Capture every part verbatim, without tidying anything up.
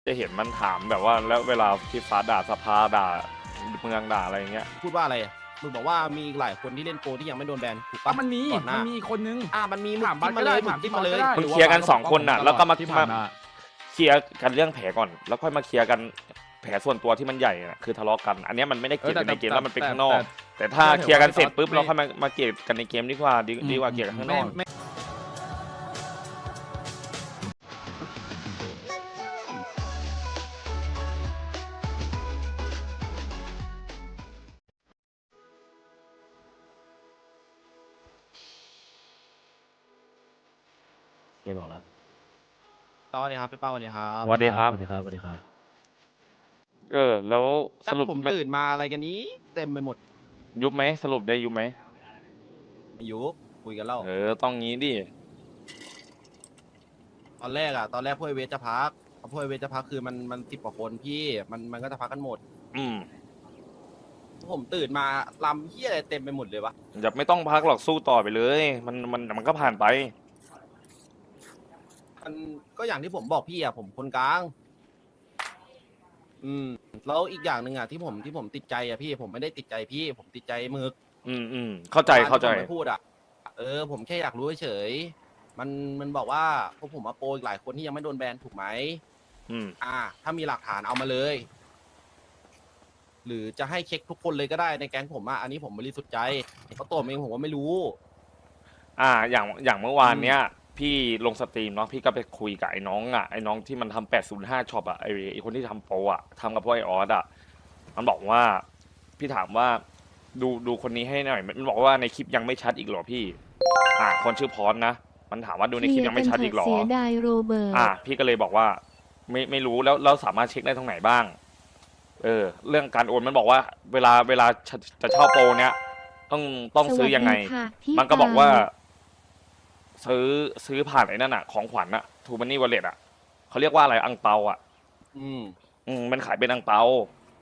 จะเห็นมันถามแบบว่าแล้วเวลาพี่ฟ้าด่าสภาด่าเมืองด่าอะไรอย่างเงี้ยพูดว่าอะไรอะมึงบอกว่ามีอีกหลายคนที่เล่นโปรที่ยังไม่โดนแบนถูกอ่ะปะมันมีก่อนหมัน้านมีคนนึงอ่ามันมีมึงถามบัจิ้ตมก็มาเลได้ยมึถาง มจิ้ที่มบัมาตเลยก็ได้มึงเคลียร์กันสองคนน่ะแล้วก็มาที่ผ่านมาเคลียร์กันเรื่องแผลก่อน แล้วค่อยมาเคลียร์กันแผลส่วนตัวที่มันใหญ่น่ะคือทะเลาะกัน อันเนี้ยมันไม่ได้เกลียดกันในเกมแล้วมันเป็นข้างนอก แต่ถ้าเคลียร์กันเสร็จปุ๊บเราค่อยมามาเกลียดกันในเกมดีกว่าดีดีกว่าเกลียดกันข้างนอกไม่เกมบอกแล้วสวัสดีครับพี่เป้าสวัสดีครับสวัสดีครับสวัสดีครับสวัสดีครับเออ แล้วสถ้ารุปผมตื่นมาอะไรกันนี้เต็มไปหมดยุบไหมสรุปได้ยุบไหมอายุคุยกันแล้วเออต้องงี้ดิตอนแรกอะตอนแรกพวกไอเวทจะพักพอพวกไอเวทจะพักคือมันมันสิบกว่าคนพี่มันมันก็จะพักกันหมดอืมผมตื่นมาลำเฮียอะไรเต็มไปหมดเลยวะอย่าไม่ต้องพักหรอกสู้ต่อไปเลย มันมันมันก็ผ่านไปมันก็อย่างที่ผมบอกพี่อะผมคนกลาง อืมแล้วอีกอย่างหนึ่งอะที่ผมที่ผมติดใจอะพี่ผมไม่ได้ติดใจพี่ ผมติดใจหมึกอืมอืมเข้าใจเข้าใจที่ผมไม่พูดอ่ะ เออ ผมแค่อยากรู้เฉยๆมัน มันบอกว่าพวกผมมาโปรอีกหลายคนที่ยังไม่โดนแบนถูกไหมอืมอ่า ถ้ามีหลักฐานเอามาเลย หรือจะให้เช็คทุกคนเลยก็ได้ในแก๊งผมอ่ะ อันนี้ผมบริสุทธิ์ใจเพราะตัวผมเองผมว่าไม่รู้อ่าอย่างอย่างเมื่อวานเนี้ยพี่ลงสตรีมเนาะพี่ก็ไปคุยกับไอ้น้องอ่ะไอ้น้องที่มันทำแปดศูนย์ห้าช็อปอ่ะไอ้ไอ้คนที่ทำโปรอ่ะทำกับพวกไอออสอ่ะมันบอกว่าพี่ถามว่าดูดูคนนี้ให้หน่อยมันบอกว่าในคลิปยังไม่ชัดอีกเหรอพี่อ่าคนชื่อพรนะมันถามว่าดูในคลิปยังไม่ชัดอีกเหรอเสียดายโรเบิร์ตอ่าพี่ก็เลยบอกว่าไม่ไม่รู้แล้วเราสามารถเช็คได้ตรงไหนบ้างเออเรื่องการโอนมันบอกว่าเวลาเวลาจะจะเช่าโปรเนี้ยต้องต้องซื้อยังไงสวัสดีค่ะพี่มันก็บอกว่าปาซื้อซื้อผ่านไอ้นั่นอะของขวัญอะทูมันนี่วอลเล็ตอะเขาเรียกว่าอะไรอังเปาอะอืมอืมมันขายเป็นอังเปา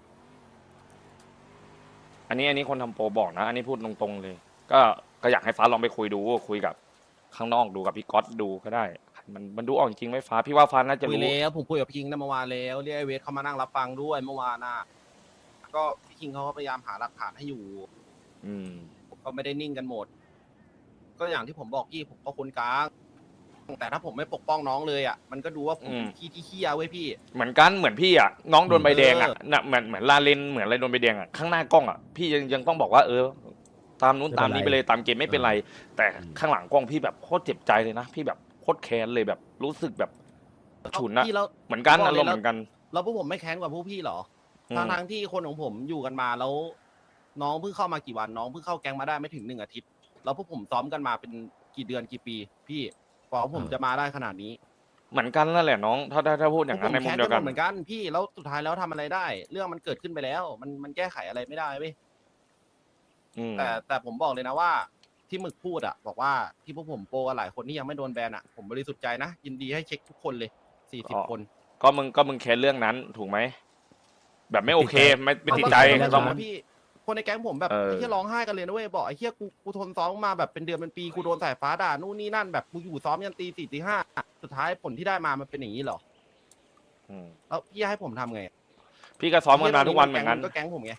อันนี้อันนี้คนทำโปรบอกนะ อันนี้พูดตรงๆเลย ก็ก็อยากให้ฟ้าลองไปคุยดูคุยกับข้างนอกดูกับพี่ก๊อตดูก็ได้ มันมันดูออกจริงไหมฟ้าพี่ว่าฟ้าน่าจะคุยรู้แล้วผมคุยกับพี่คิงนะเมื่อวานแล้วเรียกไอเวทเขามานั่งรับฟังด้วยเมื่อวานน่ะ ก็พี่คิงเขาก็พยายามหาหลักฐานให้อยู่อืมผมก็ไม่ได้นิ่งกันหมด ก็อย่างที่ผมบอกพี่ผมก็คนกลาง แต่ถ้าผมไม่ปกป้องน้องเลยอ่ะ มันก็ดูว่าผมอืมขี้ที่เคี้ยเว้ยพี่เหมือนกันเหมือนพี่อะน้องโดนใบแดงอะเออน่ะเหมือนเหมือนลาเลนเหมือนอะไรโดนใบแดงอะข้างหน้ากล้องอะพี่ยังยังต้องบอกว่าเออ ตามนู้นไม่ตาเป็มนไรนี้ไปเลยตามเกมไม่เป็นไร แต่อืมข้างหลังกล้องพี่แบบโคตรเจ็บใจเลยนะพี่แบบโคตรแค้นเลยแบบรู้สึกแบบฉุนนะพี่แล้วเหมือนกันบอกอาเลยรมณ์แล้วเหมือนกันแล้วพวกผมไม่แค้นกว่าพวกพี่เหรออืมทางทางๆที่คนของผมอยู่กันมาแล้ว น้องเพิ่งเข้ามากี่วันน้องเพิ่งเข้าแก๊งมาได้ไม่ถึงหนึ่งอาทิตย์ แล้วพวกผมซ้อมกันมาเป็นกี่เดือนกี่ปี พี่กว่าผมจะมาได้ขนาดนี้เหมือนกันนั่นแหละน้อง ถ้าถ้าถ้าพูดอย่างนั้นในพวกมุผมมแค้นเดีกัยวน กันหมดเหมือนกันพี่แล้วสุดท้ายแล้วทำอะไรได้ เรื่องมันเกิดขึ้นไปแล้ว มันมันแก้ไขอะไรไม่ได้เว้ยอืมแต่แต่ผมบอกเลยนะว่า ที่หมึกพูดอ่ะ บอกว่าที่พวกผมโปรกันหลายคนที่ยังไม่โดนแบนอ่ะผมบริสุทธิ์ใจนะยินดีให้เช็คทุกคนเลยสี่สิบคนก็มึงก็มึงแค้นเรื่องนั้นถูกไหมแบบไม่โอเคไม่ไม่ติดใจเอาต้องนะพี่คนในแก๊งผมแบบเออไอ้เหี้ยร้องไห้กันเลยนะเว้ยบอกไอ้เหี้ยกูกูทนซ้อมมาแบบเป็นเดือนเป็นปีกูโดนสายฟ้าด่านู่นนี่นั่นแบบกูอยู่ซ้อมยันตีสี่ตีห้าสุดท้ายผลที่ได้มามันเป็นอย่างนี้เหรออืมแล้วพี่ให้ผมทำไงพี่ก็ซ้อมกันมาทุกวันเหมือนกันก็แก๊งผมไง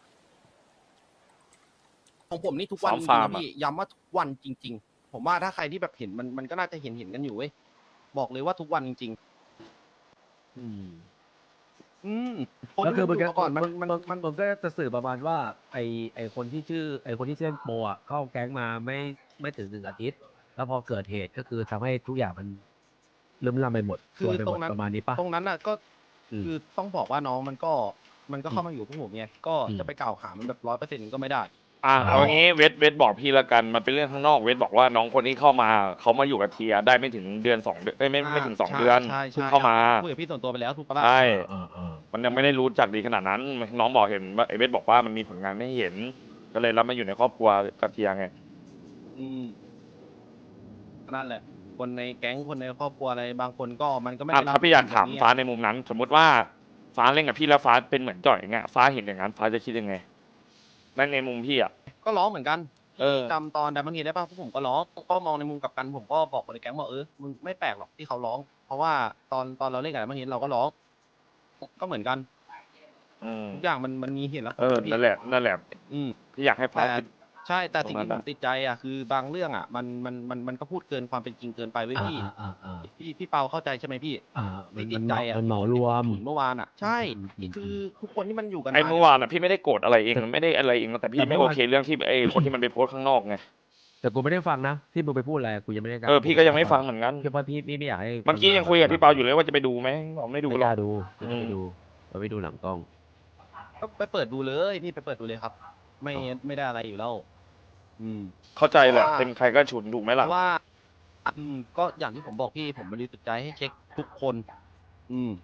ของผมนี่ทุกวันซ้อจมริงฟาร์ๆมนะอะพี่ย้ำว่าทุกวันจริง ๆ ผมว่าถ้าใครที่แบบเห็นมันมันก็น่าจะเห็นเห็นกันอยู่เว้ยบอกเลยว่าทุกวันจริงอืมๆ อืมคนก็คือที่มันดูมาก่อนมันมันมันมันก็จะสื่อประมาณว่า ไอไอคนที่ชื่อ ไอคนที่เล่นโปรอ่ะเข้าแก๊งมาไม่ไม่ถึงหนึ่งอาทิตย์ แล้วพอเกิดเหตุก็คือทำให้ทุกอย่างมันลืมลำไปหมดคือส่วนไปตหมรดงนั้นประมาณนี้ปะตรงนั้นน่ะก็อืมคือต้องบอกว่าน้องมันก็มันก็เข้าอืมมาอยู่พวกผมไงก็อืมจะไปกล่าวหามันแบบร้อยเปอร์เซ็นต์ก็ไม่ได้อ่ะอ๋อเอางี้เวทเวทบอกพี่ละกันมันเป็นเรื่องข้างนอกเวทบอกว่าน้องคนที่เข้ามาเขามาอยู่กับเทียได้ไม่ถึงเดือนสองเดือนเอ้ยไม่ไม่ถึงสองใช่เดือนใช่เพิ่งใช่เข้ามาคุยกับพี่ส่วนตัวไปแล้วถูกปะล่ะใช่เออเออมันยังไม่ได้รู้จักดีขนาดนั้น น้องบอกเห็นว่าไอเวทบอกว่ามันมีผลงานไม่เห็น ก็เลยรับมาอยู่ในครอบครัวกับเทียไงอืมนั่นแหละ คนในแก๊งคนในครอบครัวอะไรบางคนก็มันก็ไม่อ่ะได้รับถ้าพี่อยากถามแบบนี้ฟ้าในมุมนั้น สมมติว่าฟ้าเล่นกับพี่แล้วฟ้าเป็นเหมือนจ่อยอย่างเงี้ยฟ้าเห็นอย่างนั้นฟ้าจะคิดยังไงนั่นในมุมพี่อ่ะก็ร้องเหมือนกันเออจำตอนดับเบิลเฮดได้ป่ะพวกผมก็ร้องก็มองในมุมกลับกันผมก็บอกคนในแก๊งว่าเออมึงไม่แปลกหรอกที่เขาร้อง เพราะว่าตอนตอนเราเล่นกับดับเบิลเฮดเราก็ร้องก็เหมือนกันอืมทุกอย่างมันมันมีเหตุและผเอลอพี่นั่นแหละนั่นแหละอืมพี่อยากให้ฟ้าแต่คิดใช่แต่สิ่งตรงนั้ที่นผอะมติดใจอ่ะคือบางเรื่องอ่ะมันมันมันมันก็พูดเกินความเป็นจริงเกินไปเว้ยอ่าพี่อ่าอ่าอ่าพี่พี่เปาเข้าใจใช่ไหมพี่อ่ามันที่มัตินดเหใจมาอ่ะมันเหมารวมเมื่อวานอ่ะ ใช่อืมอืมคือทุกคนที่มันอยู่กันไอ้มาเมื่อวานอ่ะพี่ไม่ได้โกรธอะไรเองแต่ไม่ได้อะไรเองแต่พี่แต่ไม่เมื่โออวานเคเรื่องที่ไอ้คนที่มันไปโพสต์ข้างนอกไงแต่กูไม่ได้ฟังนะที่มึงไปพูดอะไรกูยังไม่ได้เออพี่ก็ยังไม่ฟังเหมือนกันเพราะพี่พี่ไม่อยากให้เมื่อกี้ยังคุยกับพี่เปาอยู่เลยว่าจะไปดูไหมบอกไม่ดูไม่หรกอกล้าดูอืไม่มไปดูเราไม่ดูหลังกล้องก็ไปเปิดดูเลยพี่ไปเปิดดูเลยครับ ไม่ไม่ได้อะไรอยู่แล้ว อืมเข้าใจแหละเพราะว่าเป็นใครก็ฉุนถูกไหมเพล่ะราะว่า อืมก็อย่างที่ผมบอกพี่ผมบริสุทธิ์ใจให้เช็คทุกคน อืม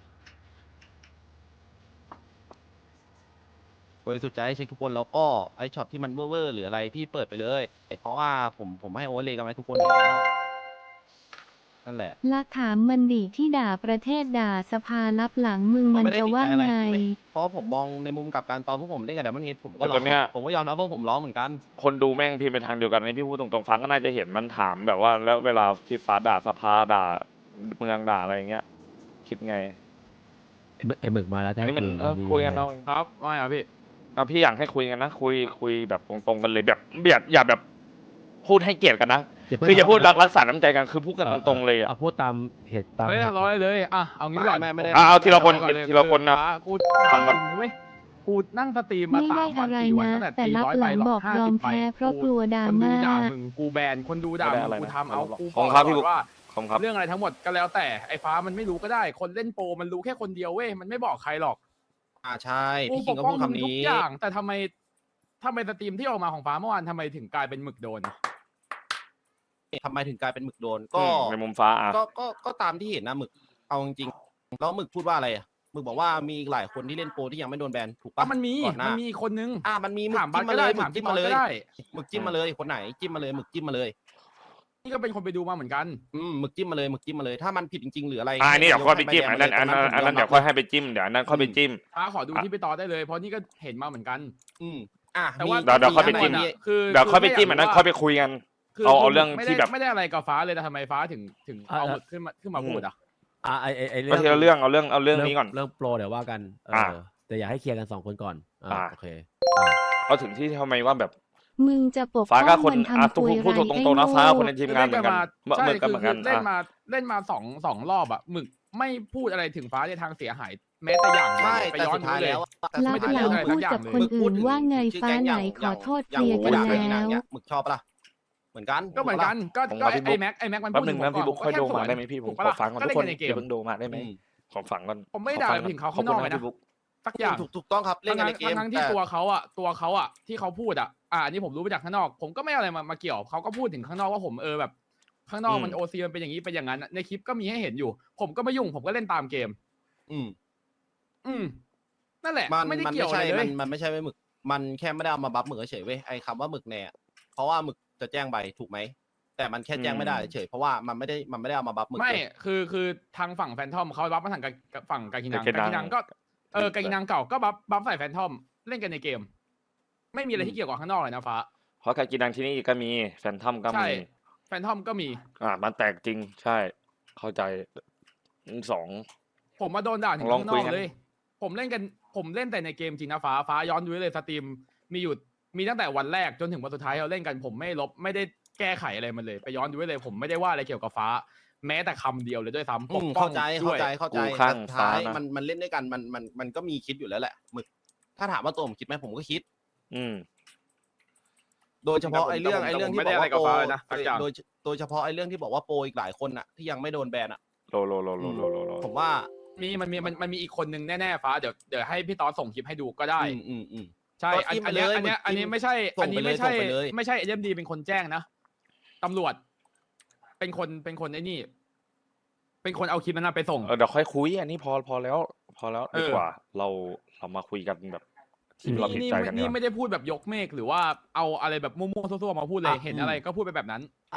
บริสุทธิ์ใจให้เช็คทุกคนแล้วก็ไอ้ช็อตที่มันเว่อร์ๆหรืออะไรพี่เปิดไปเลย เพราะว่าผมผมให้โอเวอร์เลยกันไว้ทุกคนอยู่แล้วนั่นแหละละถามมันดิที่ด่าประเทศด่าสภารับหลังมึงมันไม่ได้จะติดว่าใจอะไรไงไม่เพราะผมมองในมุมกลับการตอนพวกผมเล่นกับเดมอนเฮดผมก็แต่ร้ตออง นเนี้ยผมก็ยอมรับว่าผมร้องเหมือนกันคนดูแม่งพิมพ์ไปทางเดียวกันนี่พี่พูดตรงๆฟังก็น่าจะเห็นมันถามแบบว่า แล้วเวลาพี่ฟ้าด่าสภาด่าเมืองด่าอะไรอย่างเงี้ย คิดไงไอ้หมึกไอ้หมึกมาแล้วอันนี้มันแท้เออจริงคุยกันเอาครับไม่อะพี่เอาพี่อยากให้คุยกันนะคุยคุยแบบตรงๆกันเลยแบบอย่าอย่าแบบพูดให้เกียรติกันนะ คืออย่าพูดรักรักษาน้ำใจกันคือพูดกันตรงๆเลยอ่ะเอาพูดตามเหตุตามเฮ้ยเหตุร้อยเลยอ่ะเอางี้ก่อนไม่ไม่ได้อ่ะเอาทีละคนก่อเลยทีละคนนะฟ้ากูฟังก่อนเว้ยกูนั่งสตรีมมาไม่สาได้มวันอะไรสี่วันนะตั้งแต่แต่ตีรับร้อยหไปลังหรบอกห้ายอสิมบใบแพ้เพราะกลัวดราคนดูม่าด่ามึงกูแบนคนดูด่าไม่มึได้งอะไรกูนะทำเอากูขอบคุณครับพี่ก่อนว่าขอบคุณครับเรื่องอะไรทั้งหมดก็แล้วแต่ไอ้ฟ้ามันไม่รู้ก็ได้ คนเล่นโปรมันรู้แค่คนเดียวเว้ยมันไม่บอกใครหรอกอ่าใช่กูพี่ปคิงกก็ป้อพูงดมึงคำทุกนี้อย่าง แต่ทำไมทำไมสตรีมที่ออกมาของฟ้าเมื่อวานทำไมถึงกลายเป็นหมึกโดนทำไมถึงกลายเป็นหมึกโดน ก็อืมในมุมฟ้าอ่ะก็ก็ก็ตามที่เห็นนะหมึกเอาจริงๆแล้วหมึกพูดว่าอะไรอะหมึกบอกว่ามีอีกหลายคนที่เล่นโปรที่ยังไม่โดนแบนถูกอ่ะปะมันมีก่อนหน้ามันมีคนนึงอ่ามันมีหมึกถามบัจิ้ตมก็มาเลได้ยหมึถามกจิ้พี่มตอมาดเลยก็ได้หมึกจิ้มมาเลยคนไหนจิ้มมาเลยหมึกจิ้มมาเลยนี่ก็เป็นคนไปดูมาเหมือนกันอืมหมึกจิ้มมาเลยหมึกจิ้มมาเลยถ้ามันผิดจริงๆหรืออะไรอ่านี่เดี๋ยวค่อยไปจิ้มให้อันนั้นแบอันมานั้นเลยอันนั้นผมเดี๋ยวค่อยให้ไปจิ้มเดี๋ยวอันนั้นค่อยไปจิ้มฟ้าขอดูอ่ะที่พี่ตอดได้เลยเพราะนี่ก็เห็นมาเหมือนกันอืมอ่ะแต่ว่าเดี๋ยวเดี๋ยวค่อยไปจิ้มมีคือเดี๋ยวค่อยไปจิ้มอันนั้นค่อยไปคุยกันคือเอาเอาคืเรื่องไม่ที่ได้แบบไม่ได้อะไรกับฟ้าเลยแต่ทำไมฟ้าถึงถึงเอาหมึกขึ้นมาขึ้นมาพูดอ่ะอ่าไอไอไอก็ทีละเรื่องเอาเรื่องเอาเรื่องนี้ก่อนเรื่องโปรเดี๋ยวว่ากันเอออ่าแต่อยากให้เคลียร์กันสองคนก่อนอ่าอ่าโอเคเอาถึงที่ทำไมว่าแบบมึงจะปกฟ้าป้ก็องคนมันอ่ะทำทุกคุยคนพูดไรตรไอ้งๆนะโง่ฟ้าคนในทีมงานเหมือนกันใช่เหมือนกันคือเหมือนกันเล่นอ่ะมาเล่นมาสองสองรอบอ่ะหมึกไม่พูดอะไรถึงฟ้าในทางเสียหาย แม้แต่อย่างเดียวใช่ไปแต่ย้อนสุดท้ายดูเลยแล้วแต่รัสุบดท้ายหลัแล้วงพูดกับคนอื่นว่าไงฟ้าไหนขอโทษเคลียร์กันอย่างแล้วอย่างหมึกชอบปะล่ะเหมือนกันก็เหมือนกันก็ผมก็ว่าพี่บุ๊ไอ้คแม็กไอ้แม็กมันแป๊บพูดหนึ่งนะผมพี่บุ๊คผมค่อยแดูมาได้ไหมพี่ผมถูกขปะอล่ะฟังก่อนก็ทุกคนเล่นกันในเกอย่าม เพิ่งดูมาได้ไหมอืมขอฟังก่อนผมไม่ด่าขอฟังถึงเขาขอบข้างคุนณอกเลยนะนะพี่บุ๊คสักอย่างถูกถูกต้องครับเล่นกันในเกมทั้งๆที่แต่ตัวเขาอ่ะตัวเขาอ่ะที่เขาพูดอ่ะอ่าอันนี้ผมรู้มาจากข้างนอก ผมก็ไม่เอาอะไรมามาเกี่ยวเขาก็พูดถึงข้างนอกว่าผมเออแบบ ข้างนอกมันโอซีมันเป็นอย่างนี้เป็นอย่างนั้นในคลิปก็มีให้เห็นอยู่ ผมก็ไม่ยุ่งผมก็เล่นตามเกมอืมอืมนั่นแหละมันไม่ได้มันเกี่ยวไม่อะไรใช่เลมัยนมันไม่ใช่ไว้หมึก มันแค่ไม่ได้เอามาบัฟหมึกเฉยๆเว้ยไอ้คำว่าหมึกแน่เพราะว่าหมึกจะแจ้งใบถูกไหมแต่มันแค่แจ้งไม่ได้เฉยเพราะว่ามันไม่ได้มันไม่ได้เอามาบัฟหมึกไม่เว้ยคือคือทางฝั่งแฟนทอมเขาบัฟมาทางกับฝั่งกากินังกากินังกากินังก็เออกากินังเก่าก็บัฟบัฟใส่แฟนทอมเล่นกันในเกม ไม่มีอะไรที่เกี่ยวกับข้างนอกเลยนะฟ้าเพราะการกินดังที่นี่ก็มีแฟนทอมก็ใช่มีแฟนทอมก็มีอ่ามันแตกจริงใช่ เข้าใจสองผมมาโดนด่าถึงลองข้างนคุอย กกันเลย ผมเล่นกันผมเล่นแต่ในเกมจริงนะฟ้าฟ้าย้อนดูได้เลยสตรีมมีอยู่มีตั้งแต่วันแรกจนถึงวันสุดท้ายเราเล่นกันผมไม่ลบไม่ได้แก้ไขอะไรมันเลย ไปย้อนดูได้เลย ผมไม่ได้ว่าอะไรเกี่ยวกับฟ้า แม้แต่คำเดียวเลยด้วยซ้ำปอืกมป้อเข้าง ใจด้เข้าวยใจเข้าใจกูข้างแต่สุดท้ายฟ้านะมันมันเล่นด้วยกันมันมันมันก็มีคิดอยู่แล้วแหละหมึก ถ้าถามว่าตัวผมคิดไหมผมก็คิดอืมโดยเฉพาะแต่ผมไอ้เรื่องแต่ผมไอ้เรื่องที่ไม่บได้อกว่าโปรอะไรกับฟ้าเลยนะสักอย่างโดยโดยเฉพาะไอ้เรื่องที่บอกว่าโปรอีกหลายคนอ่ะที่ยังไม่โดนแบนอ่ะโลโลโลโลโลโลโลผมว่ามีมันมีมันมันมีอีกคนนึงแน่ๆฟ้าเดี๋ยวเดี๋ยวให้พี่ตอสส่งคลิปให้ดูก็ได้อืมอืมอืมใช่ก็อันจิ้มอันเนี้ยไปเลยอันเนี้ยมึงอันนี้จิ้มไม่ใช่ส่อังนไปนี้เลยไม่ใช่ส่งไปเลยไม่ใช่เอ็มดีเป็นคนแจ้งนะตำรวจ เป็นคนเป็นคนไอ้นี่ เป็นคนเอาคลิปนั้นนะไปส่งเออเดี๋ยวค่อยคุยอันนี้พอพอแล้ว พอแล้วเออดีกว่า เราเรามาคุยกันแบบที่เราผิดนี่ใจนี่กันดีนี่กว่าไม่ได้พูดแบบยกเมฆหรือว่าเอาอะไรแบบมั่วๆซั่วๆมาพูดเลยอ่ะเห็นอืมอะไรก็พูดไปแบบนั้น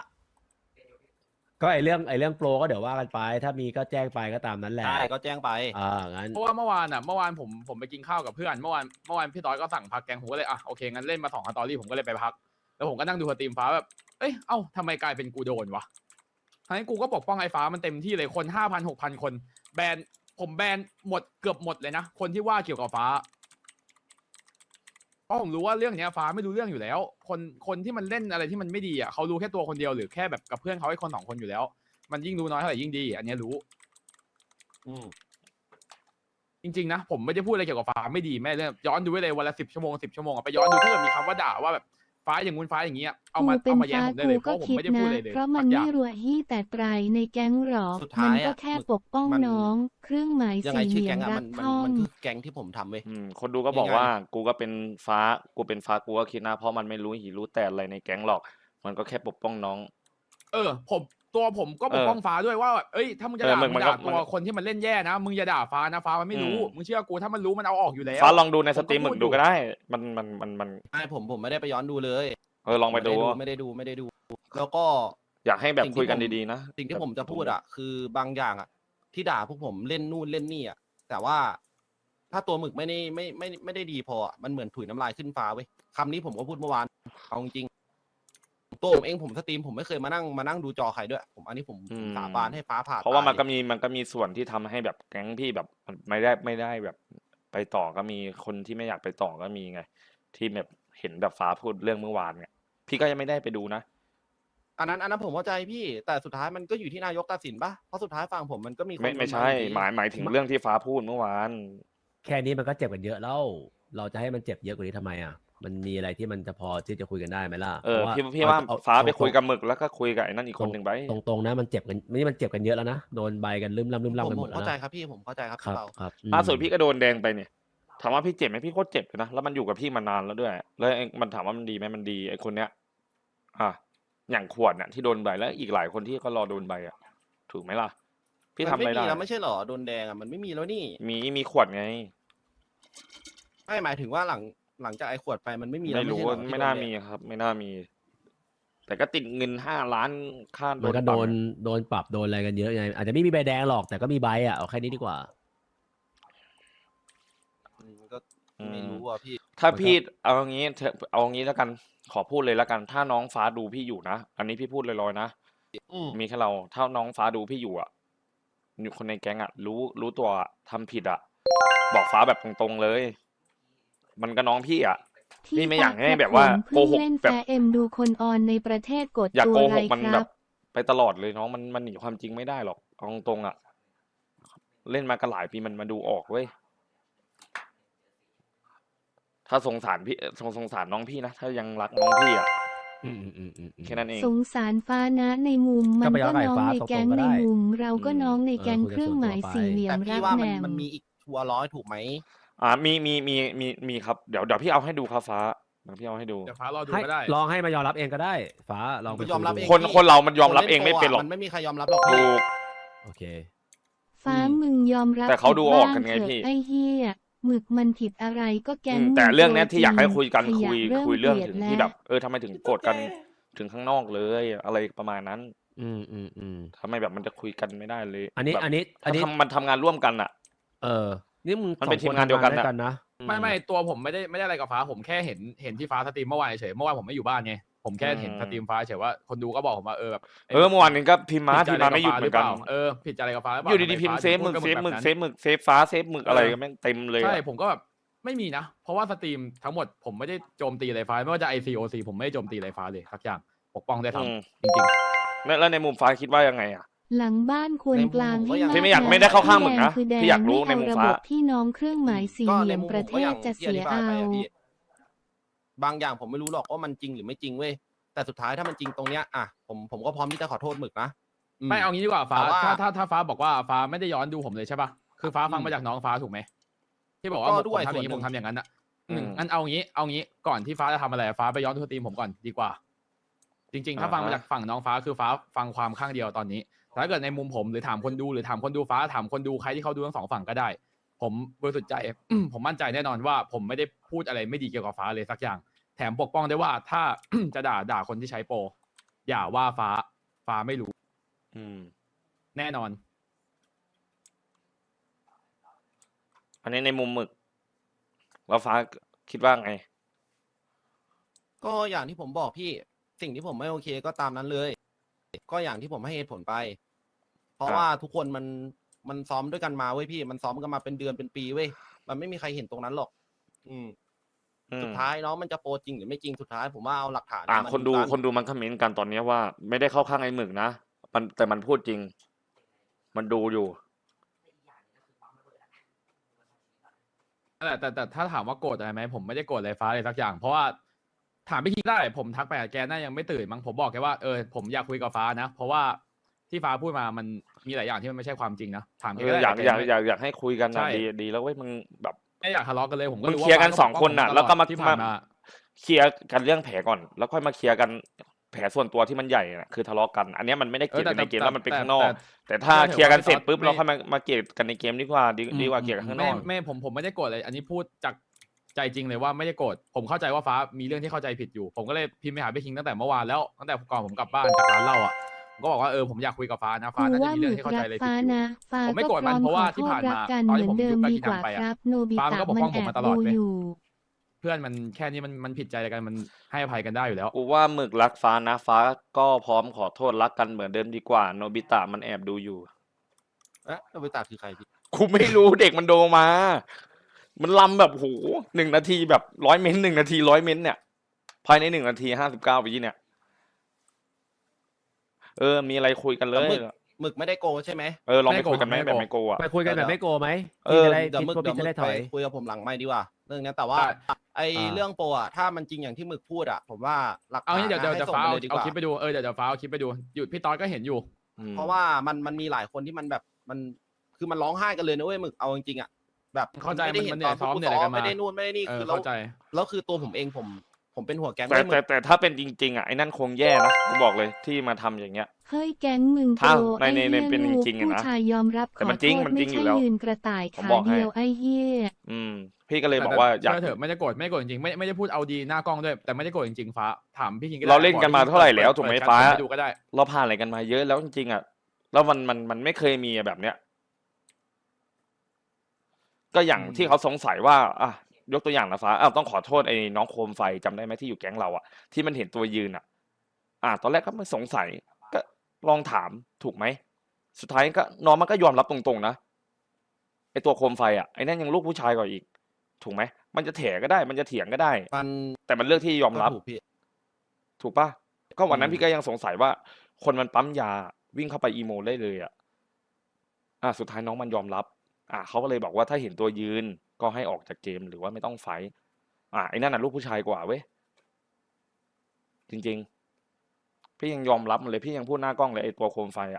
ก็ไอเรื่องไอเรื่องโปรก็เดี๋ยวว่ากันไป ถ้ามีก็แจ้งไปก็ตามนั้นแหละใช่ก็แจ้งไปอ่างั้นเพราะว่าเมื่อวานอ่ะเมื่อวานผมผมไปกินข้าวกับเพื่อนเมื่อวานเมื่อวานพี่ต้อยก็สั่งพักแกงผมก็เลยอ่ะโอเคงั้นเล่นมาสองสตอรี่ผมก็เลยไปพัก แล้วผมก็นั่งดูสตรีมฟ้าแบบเอ้ยเอ้าทำไมกลายเป็นกูโดนวะทั้งที่กูก็ปกป้องไอ้ฟ้ามันเต็มที่เลยคนห้าพันหกพันคนแบนผมแบนหมดเกือบหมดเลยนะคนที่ว่าเกี่ยวกับฟ้าเพราะผมรู้ว่าเรื่องเนี้ยฟ้าไม่รู้เรื่องอยู่แล้ว คนคนที่มันเล่นอะไรที่มันไม่ดีอ่ะเขารู้แค่ตัวคนเดียวหรือแค่แบบกับเพื่อนเขาไอ้คนสองคนอยู่แล้ว มันยิ่งรู้น้อยเท่าไหร่ยิ่งดี อันเนี้ยรู้อืมจริงๆนะผมไม่ได้พูดอะไรเกี่ยวกับฟ้าไม่ดีแม่เรื่องย้อนดูไว้เลยวันละสิบชั่วโมงสิบชั่วโมงอะไปย้อนดูถ้าเกิดมีคำว่าด่าว่าแบบฟ้าอย่างงู้นฟ้าอย่างเงี้ยเอากูมาเป็เอานมาแย้งฟ้าผมได้กูเลยเพก็ราะผมคิดไม่ได้พูดนะอะไรเลยเพราะมันสักอย่าไม่งรัวยี่แต่ไตรในแก๊งหรอกสุดท้ายมันก็อะแค่ปกป้องมันน้อง เครื่องหมายยังไงสี่ชื่อเหลี่ยแก๊มงอะรัมักนมันท่องมันคือแก๊งที่ผมทำเว้ยอืมคนดูก็บอกง่ายๆว่ากูก็เป็นฟ้ากูเป็นฟ้ากูก็คิดนะเพราะมันไม่รู้หิรู้แต่อะไรในแก๊งหรอก มันก็แค่ปกป้องน้องเออผมตัวผมก็ปกป้องฟ้าด้วยว่าแบบเอ้ยถ้ามึงจะเออด่ามึงมึงมันด่าก็ตัวคนที่มันเล่นแย่นะมึงอย่าด่าฟ้านะฟ้ามันไม่รู้อืมมึงเชื่อกูถ้ามันรู้มันเอาออกอยู่แล้วฟ้าลองดูในผมสก็ตรีมหมึพูกดดูอยู่ก็ได้ มันมันมันมันไอ้ผมผมไม่ได้ไปย้อนดูเลยเออลองไปดูไม่ได้ดูไม่ได้ดู แล้วก็อยากให้แบบสิ่งที่คุยกันผมดีๆนะสิ่งที่ผมจะพูดอ่ะ คือบางอย่างอ่ะ ที่ด่าพวกผมเล่นนู่นเล่นนี่อ่ะแต่ว่าถ้าตัวหมึกไม่ได้ไม่ไม่ไม่ได้ดีพออะมันเหมือนถุยน้ำลายขึ้นฟ้าเว้ยคำนี้ผมก็พูดเมื่อวานเอาจริงๆตัวผมเองผมสตรีมผมไม่เคยมานั่งมานั่งดูจอใครด้วย ผมอันนี้ผมอืมสาบานให้ฟ้าผ่าเพราะว่ามันตยก็มีมันก็มีส่วนที่ทำให้แบบแก๊งพี่แบบมันไม่ได้ไม่ได้แบบ ไปต่อก็มีคนที่ไม่อยากไปต่อก็มีไง ที่แบบเห็นแบบฟ้าพูดเรื่องเมื่อวานเนี่ยพี่ก็ยังไม่ได้ไปดูนะอันนั้นอันนั้นผมเข้าใจพี่ แต่สุดท้ายมันก็อยู่ที่นายกตัดสินปะเพราะสุดท้ายฝั่งผมมันก็มีคนไม่ไม่โดนใช่อยู่ดีหมายหมายถึงเรื่องที่ฟ้าพูดเมื่อวานแค่นี้มันก็เจ็บกันเยอะแล้ว เราจะให้มันเจ็บเยอะกว่านี้ทำไมอ่ะ มันมีอะไรที่มันจะพอที่จะคุยกันได้ไหมล่ะเออพระพี่พี่ว่าเอฟ้าไปตรงๆคุยกับหมึกแล้วก็คุยกับไอ้นั่นอีกคนหนึ่งไปตรงตรงๆนะมันเจ็บกันนี่มันเจ็บกันเยอะแล้วนะโดนใบกันลืมล่ำลืมผล่ำมกันหผม มดแล้วเข้าใจนะครับพี่ผมเข้าใจครับครัพี่บเปาครับอืมล่าสุดพี่ก็โดนแดงไปเนี่ยถามว่าพี่เจ็บไหมพี่โคตรเจ็บเลยนะแล้วมันอยู่กับพี่มานานแล้วด้วย แล้วไอ้มันถามว่ามันดีไหมมันดีไอ้คนเนี้ย อ่ะอย่างขวดเนี่ยที่โดนใบแล้วอีกหลายคนที่ก็รอโดนใบอ่ะ ถูกไหมล่ะ พี่ทำมันอะไรไม่ได้มีแล้วไม่ใช่เหรอโดนแดงอ่ะมันไม่มีแล้วนี่มีมีขวดไงไม่หมายถึงว่าหลังหลังจากไอ้ขวดไปมันไม่มีแล้วไม่รู้ใช่เหรอไม่ที่น่าโดแดงมีครับ ไม่น่ามี แต่ก็ติดเงินห้าล้านค่าโดมันนก็ปโดรับนไงโดนปรับโดนอะไรกันเยอะไงอาจจะไม่มีใบแดงหรอกแต่ก็มีใบอ่ะเอาแค่นี้ดีกว่าอืมก็อืไม่มรู้อ่ะพี่ถ้ามันก็พี่เอางี้เถอะเอางี้แล้วกันขอพูดเลยแล้วกัน ถ้าน้องฟ้าดูพี่อยู่นะอันนี้พี่พูดลอยๆนะอืมมีแค่เราถ้าน้องฟ้าดูพี่อยู่อ่ะอยู่คนในแก๊งอ่ะ รู้รู้ตัวอะทำผิดอ่ะ บอกฟ้าแบบตรงๆเลย มันก็น้องพี่อ่ะที่พี่ไม่อยากให้ฟ้แบบว่าผมเพิ่งโกหกเล่นแบบแฟเอ็มดูคนออนในประเทศกดอย่าตัวโกไรหกมันคแบรับบ ไปตลอดเลยน้องมันมันหนีความจริงไม่ได้หรอกเอาตรงๆอ่ะ เล่นมากันหลายปีมันมาดูออกเว้ยถ้าสงสารพี่สงสงสารน้องพี่นะถ้ายังรักน้องพี่อ่ะอืมอืมอืมอืมอืมแค่นั้นเองสงสารฟ้านะในมุมมันก็ไปย้ก็อนไฟน้องฟ้าในแก๊งตรงๆก็ในได้มุม เราก็อืมน้องในเออแก๊งคุยกันเครื่องหมายส่วนตัวไปสี่เหลี่ยแต่มรัพี่กว่าแหมันนมมันมีอีกทัวร์ร้อยถูกไหมอ่ามีมีมีมีมีครับเดี๋ยวเดี๋ยวพี่เอาให้ดูครับฟ้าเดี๋ยวพี่เอาให้ดูเดี๋ยวฟ้ารอดูให้ก็ได้ลองให้มายอมรับเองก็ได้ ฟ้าลองไปยอมรับคุเองคนพี่คนเรามันยอมรับเองไม่เป็นหรอกมันไม่มีใครยอมรับหรอกพี่ถูกโอเคฟ้าอืมมึงยอมรับแต่เขาดูออกกันไงผิดบ้าพี่เถอะไอ้เหี้ยหมึกมันผิดอะไรก็แก๊งอืมมึแต่เรื่องเนี้ยตัวที่อยากให้คุยกันจริงคุยขะคุยเรื่องกลีถึดงแล้วที่แบบ เออทำไมถึงโกรธกันถึงข้างนอกเลย อะไรประมาณนั้นอืมอืมอืมทำไมแบบมันจะคุยกันไม่ได้เลยอันนี้แบบอันนี้อัถ้านนี้ทำมันทำงานร่วมกันอ่ะเออ นี่มึงมันเป็นสอทีมงานเดียวกันทำน่ะกันนะไม่ไม่ตัวผมไม่ได้ไม่ได้อะไรกับฟ้าผมแค่เห็นเห็นที่ฟ้าสตรีมเมื่อวานเฉยเมื่อวานผมไม่อยู่บ้านไงผมแค่เห็นอืมสตรีมฟ้าเฉยว่าคนดูก็บอกผมว่าเออแบบเออเมื่อวานนี้ก็พิมพ์มาผิดใจพิมพ์มาไม่หยุดกับเหมือนกันฟ้ารืปล่าเออผิดใจอะไรกับฟ้าหรือเปอล่ายู่ดีๆทำไพิมพ์ฟ้าเซฟถึงหมึกพูดเซฟบหมึกนั้นเซฟหมึกเซฟฟ้าเซฟหมึกอะไรเออก็แม่งเต็มเลยใช่อะผมก็แบบไม่มีนะ เพราะว่าสตรีมทั้งหมดผมไม่ได้โจมตีอะไรฟ้าไม่ว่าจะ ไอ ซี โอ ซี ผมไม่ได้โจมตีอะไรฟ้าเลยสักอย่างปกป้องได้ทอืมำจริงแล้วแล้วในมุมฟ้าคิดว่ายังไงอ่ะหลังบ้านควรในมุมกลางผมก็ให้ยังมากพี่ไม่อยากหน่ไม่ได้เข้าข้างมึงนะที่แดงพี่อยากรู้ไม่ในเอามุมระฟ้าบบพี่น้องเครื่องหมายสี่ก็เหในลี่ยมมุมประผมเทก็อศย่างจะที่เสีอย ธิบายเอาไปอะพี่บางอย่างผมไม่รู้หรอกว่ามันจริงหรือไม่จริงเว้ยแต่สุดท้ายถ้ามันจริงตรงเนี้ยอ่ะผมผมก็พร้อมที่จะขอโทษหมึกนะๆ ไม่เอางี้ดีกว่าฟ้าแต่ว่าถ้าถ้าถ้าฟ้าบอกว่าฟ้าไม่ได้ย้อนดูผมเลยใช่ป่ะคือฟ้าฟังอืมมาจากน้องฟ้าถูกไหมที่บอกว่าก็ผมด้วยทำอย่างนี้ส่วนหนึ่งผมทำอย่างนั้นอ่ะอืมอืมงั้นเอางี้เอางี้ก่อนที่ฟ้าจะทำอะไรฟ้าไปย้อนดูสตรีมผมก่อนดีกว่า จริง ๆ ถ้าอ่าฟังมาฮะจากฝั่งน้องฟ้าคือฟ้าฟังความข้างเดียวตอนนี้แต่ถ้าเกิดในมุมผมหรือถามคนดูหรือถามคนดูฟ้าถามคนดูใครที่เขาดูทั้งสองฝั่งก็ได้ ผมบริสุทธิ์ใจ ผมมั่นใจแน่นอนว่า ผมไม่ได้พูดอะไรไม่ดีเกี่ยวกับฟ้าเลยสักอย่าง แถมปกป้องได้ว่าถ้า จะด่าด่าคนที่ใช้โปรอย่าว่าฟ้าฟ้าไม่รู้อืมแน่นอนอันนี้ในมุมหมึกแล้วฟ้าคิดว่าไงก็อย่างที่ผมบอกพี่สิ่งที่ผมไม่โอเคก็ตามนั้นเลย ก็อย่างที่ผมให้เหตุผลไป เพราะครับว่าทุกคนมันมันซ้อมด้วยกันมาเว้ยพี่มันซ้อมกันมาเป็นเดือนเป็นปีเว้ยมันไม่มีใครเห็นตรงนั้นหรอก อืมอืมสุดท้ายน้องมันจะโปรจริงหรือไม่จริงสุดท้ายผมว่าเอาหลักฐานอ่ามาคนดูกันคนดูมันคอมเมนต์กันตอนเนี้ยว่า ไม่ได้เข้าข้างไอ้หมึกนะมันแต่มันพูดจริง มันดูอยู่นั่นแหละแต่แต่ถ้าถามว่าโกรธอะไรไหมผมไม่ได้โกรธอะไรฟ้าเลยสักอย่าง เพราะว่าถามพี่คิงได้ผมทักไปหาแกน่ายังไม่ตื่นมั้งผมบอกแกว่าเออผมอยากคุยกับฟ้านะ เพราะว่าที่ฟ้าพูดมามันมีหลายอย่างที่มันไม่ใช่ความจริงนะถามแกเอก็อได้อยากแต่อยากไม่อยากอยากให้คุยกันใช่นะดีดีแล้วเว้ยมึงแบบไม่อยากทะเลาะกันเลยผมก็มึงรู้เคลียร์กันฟ้าสองคนน่ะปกป้แล้วก็มาที่ผ่านมาเคลียร์กันเรื่องแผลก่อน แล้วค่อยมาเคลียร์กันแผลส่วนตัวที่มันใหญ่น่ะคือทะเลาะกัน อันเนี้ยมันไม่ได้เกลียดกันในเกมแล้วมันเป็นข้างนอก แต่ถ้าเคลียร์กันเสร็จปุ๊บเราค่อยมามาเกลียดกันในเกมดีกว่าดีดีกว่าเกลียดกันข้างนไม่อกไม่ผมผมไม่ได้โกรธเลย อันนี้พูดจากใจจริงเลยว่าไม่ได้โกรธผมเข้าใจว่าฟ้ามีเรื่องที่เข้าใจผิดอยู่ ผมก็เลยพิมพ์ไปหาพี่คิงตั้งแต่เมื่อวานแล้วตั้งแต่ก่อนผมกลับบ้านจากร้านเหล้าอ่ะผมก็บอกว่าเออผมอยากคุยกับฟ้านะฟ้ากูน่าจะว่ามีหเรื่มึองกที่เข้าใจรักอะไรผิดฟ้าอยู่นะฟ้าผมไม่ก็โกรธพมันร้อมเพราะขว่าอโทที่ษผ่านรักมากันตอนเหที่มือนผมเดิยุมบกับดีกิกนัว่างไปคอ่ะรับโนบิฟ้าตะมันก็ปกมันป้องแอผมบมาตลดูอดเลยอยู่เพื่อนมันแค่นี้มันมันผิดใจกันมันให้อภัยกันได้อยู่แล้วกูว่าหมึกรักฟ้านะฟ้าก็พร้อมขอโทษรักกันเหมือนเดิมดีกว่าโนบิตะมันแอบดูอยู่เอ๊ะโนบิตะคือใครพี่กูไม่รู้เด็กมันโดมา มันลำแบบโหหนึ่งนาทีแบบร้อยเมนหนึ่งนาทีร้อยเมนเนี่ยภายในหนึ่งนาทีห้าสิบเก้าวิเนี่ย เออ มีอะไรคุยกันเลยหมึกไม่ได้โกใช่ไหมเออลองไปไม่โกคุยกันไหมไม่แบบโกไม่โกอ่ะไปคุยกันแบบไม่โกไหมเอพี่อจะได้เดี๋ยวคิดหมึกว่าเดี๋ยวพี่หมึจะได้กถไปอยคุยกับผมหลังไม่ดีกว่า เรื่องเนี้ยแต่ว่าได้ไอ้อ่าเรื่องโปรอะถ้ามันจริงอย่างที่หมึกพูดอะผมว่าหลักเอาฐานงี้เดี๋ยวเดี๋ยวให้เดี๋ยวส่งฟ้าไปเอาเลยดีกเอาว่าคลิปไปดูเออเดี๋ยวเดี๋ยวฟ้าเอาคลิปไปดูอยู่พี่ตอนก็เห็นอยู่อืมเพราะว่ามันมันมีหลายคนที่มันแบบมันคือมันร้องไห้กันเลยนะเว้ยหมึกเอาจริงๆอะแบบเข้าใจไม่ได้มันเห็มัน นตอนซ้อมกูเนี่ยอะไรกันมาไม่ได้นู่นไม่ได้นี่เออคือแล้วเข้าใจแล้วคือตัวผมเองผมผมเป็นหัวแก๊งแต่ด้วยหมึแต่กแต่ถ้าเป็นจริงๆอ่ะไอ้นั่นคงแย่นะกูบอกเลยที่มาทำอย่างเงี้ยเฮ้ยแก๊งมึงโปถ้าร ในไอ้ในในเหี้ยเป็นลูกจริงๆอะนะผู้ชายยอมรับขแต่อมันโทจริงษมันจริไม่งอยู่ใช่แล้วยืนกระต่ายผมขาบอกให้เดียวไอ้เหี้ยอืม พี่ก็เลยแต่บอกแต่ว่าอยากเชื่อเถอะไม่ได้โกรธไม่ได้โกรธจริงๆไม่ไม่ได้พูดเอาดีหน้ากล้องด้วยแต่ไม่ได้โกรธจริงๆฟ้าถามพี่คิงก็ได้เราเล่นกันมาเท่าไหร่แล้วปิดถูกไหมเปิดฟ้าแชทไปดูก็ได้เราผ่านอะไรกันมาเยอะแล้วจริงๆอ่ะแล้วมันมันมันไม่เคยมีแบบเนี้ย ก็อย่างที่เขาสงสัยว่าอ่ะยกตัวอย่างนะฟ้าอ้าวต้องขอโทษไอ้น้องโคมไฟจำได้ไหมที่อยู่แก๊งเราอ่ะที่มันเห็นตัวยืนอ่ะ อ่ะตอนแรกก็ไม่สงสัย ก็ลองถามถูกไหมสุดท้ายก็น้องมันก็ยอมรับตรงๆนะไอ้ตัวโคมไฟอ่ะไอ้นั่นยังลูกผู้ชายกว่าอีก ถูกไหมมันจะแถก็ได้ มันจะเถียงก็ได้มันแต่มันเลือกที่ยอมรับก็ถูกพี่ถูกปะก็วันนั้นอืมพี่ก็ยังสงสัยว่า คนมันปั๊มยาวิ่งเข้าไปอีโมได้เลยอ่ะ อ่ะสุดท้ายน้องมันยอมรับ อ่ะเขาก็เลยบอกว่าถ้าเห็นตัวยืนก็ให้ออกจากเกมหรือว่าไม่ต้องไฟท์อ่ะไอ้นั่นน่ะลูกผู้ชายกว่าเว้ยจริงๆ พี่ยังยอมรับมันเลยพี่ยังพูดหน้ากล้องเลยไอ้ตัวโคมไฟอ่ะ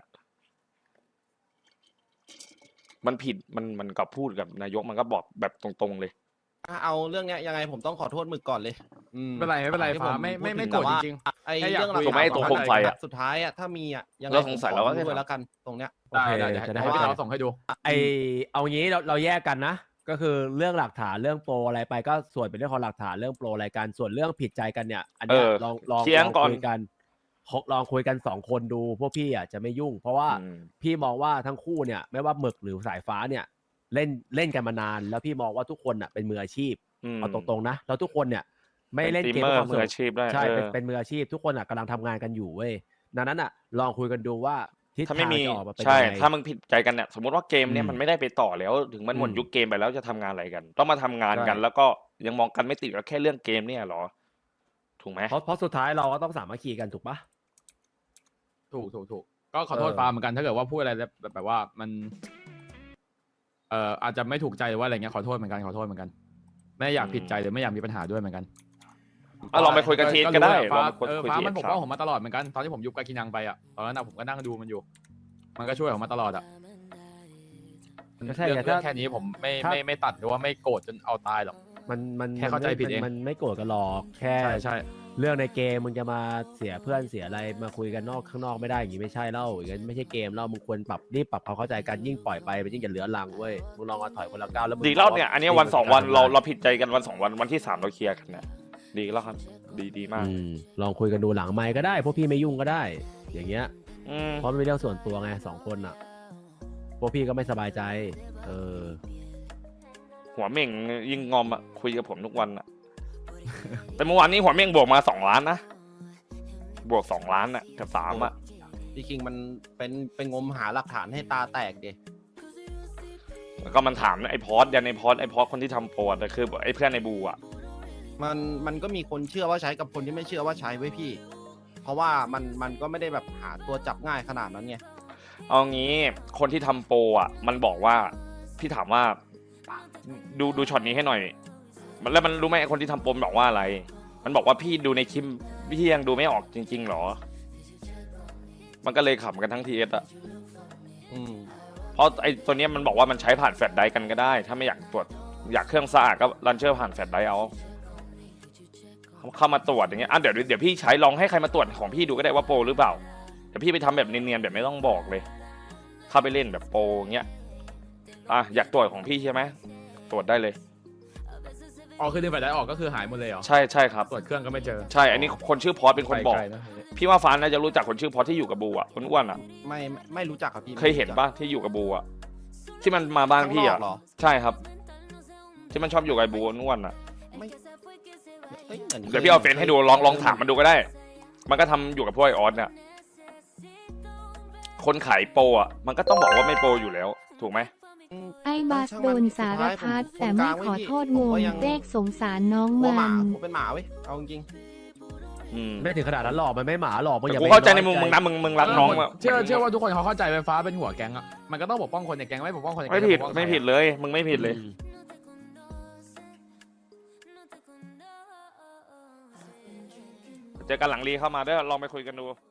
มันผิดมันมันกับพูดกับนายกมันก็บอกแบบตรงๆเลยอ่ะเอาเรื่องเนี้ยยังไงผมต้องขอโทษหมึกก่อนเลย อืมไม่เป็นไรไม่เป็นไรที่ฟ้าผไม่ไม่พูดไม่ถึโกรธแต่จว่าริงไอ้แค่อยากเรื่องหลักคุยถูกไหมไอ้ตัวโคมไฟอะสุดท้ายอะถ้ามีอะยังไงเราสงสัยผมแล้วว่าขอด้วยแล้วกันตรงเนี้ยๆได้ได้โอเคเดี๋ยวจะได้ให้พี่ตอนส่งให้ดูไอเอางี้เราเราแยกกันนะ ก็คือเรื่องหลักฐานเรื่องโปรอะไรไปก็ส่วนเป็นเรื่องของหลักฐานเรื่องโปรอะไรกันส่วนเรื่องผิดใจกันเนี่ย อันเนี้ยเออลองลองเคลียร์ลองก่อนคุยกันลองคุยกันสองคนดูพวกพี่อ่ะจะไม่ยุ่ง เพราะว่าอืมพี่มองว่าทั้งคู่เนี่ยไม่ว่าหมึกหรือสายฟ้าเนี่ย เล่นเล่นกันมานาน แล้วพี่มองว่าทุกคนอ่ะเป็นมืออาชีพอืมเอาตรงๆนะแล้วทุกคนเนี่ย ไม่เป็นเล่นเกมสตรีมเมอร์เพื่อความสมือนุกอาชีพได้ใช่เออเป็นเป็นมืออาชีพ ทุกคนอ่ะกำลังทำงานกันอยู่เว้ยดังนั้นอ่ะ ลองคุยกันดูว่าทิศถ้าทาไม่งมีจะออกมาเป็นใช่ยังไงถ้ามึงผิดใจกันเนี่ยสมมติว่าเกมเนี่ยอืมมันไม่ได้ไปต่อแล้ว ถึงมันหมดอืมยุคเกมไปแล้วจะทำงานอะไรกัน ต้องมาทำงานกันใช่แล้วก็ยังมองกันไม่ติดก็แค่เรื่องเกมเนี่ยเหรอ ถูกไหมเพราะเพราะสุดท้ายเราก็ต้องสามัคคีกันถูกปะถูกถูกถูกก็ขอโทษเออฟ้าเหมือนกันถ้าเกิดว่าพูดอะไรแบบแบบแบบว่ามันเอ่ออาจจะไม่ถูกใจหรือว่าอะไรเงี้ยขอโทษเหมือนกันขอโทษเหมือนกัน ไม่อยากผิดใจหรือไม่อยากมีปัญหาด้วยเหมือนกันอ่ะลองไปคุยกับเทสก็ได้รู้แหละลอฟ้างไปคุยเออคุยฟ้าเทมันสปกคป้รัองบผมมาตลอดเหมือนกันตอนที่ผมยุบกากินังไปอ่ะตอนนั้นนะผมก็นั่งดูมันอยู่ มันก็ช่วยผมมาตลอดอ่ะก็ใช่เรื่องไงเรื่ถ้าองแค่นี้ผมไม่ถ้าไม่ไม่ตัดหรือว่าไม่โกรธจนเอาตายหรอกมันมันแค่เข้าใจมันไม่ผิดเองมันมันไม่โกรธกันหรอกแค่ใช่ใช่เรื่องในเกมมึงจะมาเสียเพื่อนเสียอะไรมาคุยกันนอกข้างนอกไม่ได้อย่างนี้ไม่ใช่เล่าอย่างนั้นไม่ใช่เกมเล่ามึงควรปรับรีบปรับความเข้าใจกันยิ่งปล่อยไปมันยิ่งจะเหลือลังเว้ยมึงลองเอาถอยคนละก้าวแล้วมึงดีแล้วเนี่ย อันเนี้ยวันสองวันเราเราเราผิดใจกันวันสองวันวันที่สามเราเคลียร์กันเนี่ยดีแล้วครับ ดีดีมากลองคุยกันดูหลังไมค์ก็ได้พวกพี่ไม่ยุ่งก็ได้ อย่างเงี้ยอืมเพราะมันเป็นเรื่องส่วนตัวไงสองคนอ่ะพวกพี่ก็ไม่สบายใจ เออหัวเม่งยิงงอมอะคุยกับผมทุกวันอะ แต่เมื่อวานนี้หัวเม่งบวกมาสองล้านนะบวกสองล้านอะกับสามอะพี่คิงมันเป็นเป็นงมหาหลักฐานให้ตาแตกดิแล้วก็มันถามไอ้พอสยันไอ้พอสไอ้พอสคนที่ทำโปรแต่คือไอ้เพื่อนในบูอ่ะมันมันก็มีคนเชื่อว่าใช้กับคนที่ไม่เชื่อว่าใช้ไว้พี่ เพราะว่ามันมันก็ไม่ได้แบบหาตัวจับง่ายขนาดนั้นไงเอางี้คนที่ทำโปรอ่ะ มันบอกว่าพี่ถามว่า ดูดูช็อตนี้ให้หน่อย มันแล้วมันรู้ไหมไอ้คนที่ทำโปรมันบอกว่าอะไร มันบอกว่าพี่ดูในคลิปพี่ยังดูไม่ออกจริงๆหรอ มันก็เลยขำกันทั้งทีเอสอ่ะอืมเพราะไอ้ตัวเนี้ยมันบอกว่ามันใช้ผ่านแฟลชไดรฟ์กันก็ได้ ถ้าไม่อยากตรวจอยากเครื่องสะอาดก็รันเชอร์ผ่านแฟลชไดรฟ์เอาเข้ามาตรวจอย่างเงี้ยอ่ะเดี๋ยวเดี๋ยวพี่ใช้ลองให้ใครมาตรวจของพี่ดูก็ได้ว่าโปรหรือเปล่าแต่พี่ไปทำแบบเนียนๆแบบไม่ต้องบอกเลย เข้าไปเล่นแบบโปรเงี้ยอ่ะอยากตรวจของพี่ใช่ไหมตรวจได้เลยอ๋อคือดึงแฟลชไดรฟ์ออกก็คือหายหมดเลยเหรอใช่ใช่ครับตรวจเครื่องก็ไม่เจอใช่อันนี้คนชื่อพอสเป็นคนบอกไปไกละพี่ว่าฟ้าน่าจะรู้จักคนชื่อพอสที่อยู่กับบูอ่ะคนอ้วนอ่ะไม่ไม่ไม่รู้จักครับพี่เคยเห็นปะที่อยู่กับบูอ่ะที่มันมาบ้านข้างพี่นออ่ะกเหรอใช่ครับ ที่มันชอบอยู่กับไอ้บูอ้วนอ่ะไม่เอ้ยหมือนคเดี๋ยวพี่เอาเฟซให้ดูลองลองถามมันดูก็ได้ มันก็ทำอยู่กับพวกไอออสเนี่ย คนขายโปรอ่ะ มันก็ต้องบอกว่าไม่โปรอยู่แล้ว ถูกไหมไอ้บัสโดนสารพัดแต่ไม่ขอโทษงงเด็กสงสารน้องหัวหมัมาน ผมเป็นหมาเว้ยเอาจริงอืมไม่ถึงขนาดนั้นหรอกมันไม่หมาหรอกมึงอย่ากูไปเข้าใจในมุมอยมึงนะมึงมึงรักน้องอะเชื่อเชื่อว่าทุกคนเขาเข้าใจไฟฟ้าเป็นหัวแก๊งอ่ะมันก็ต้องปกป้องคนในแก๊งไม่ปกป้องคนในแก๊งไม่ผิดจะปกป้องใครไม่ผิดเลย มึงไม่ผิดเลย เจอกันหลังรีเข้ามาเด้อลองไปคุยกันดู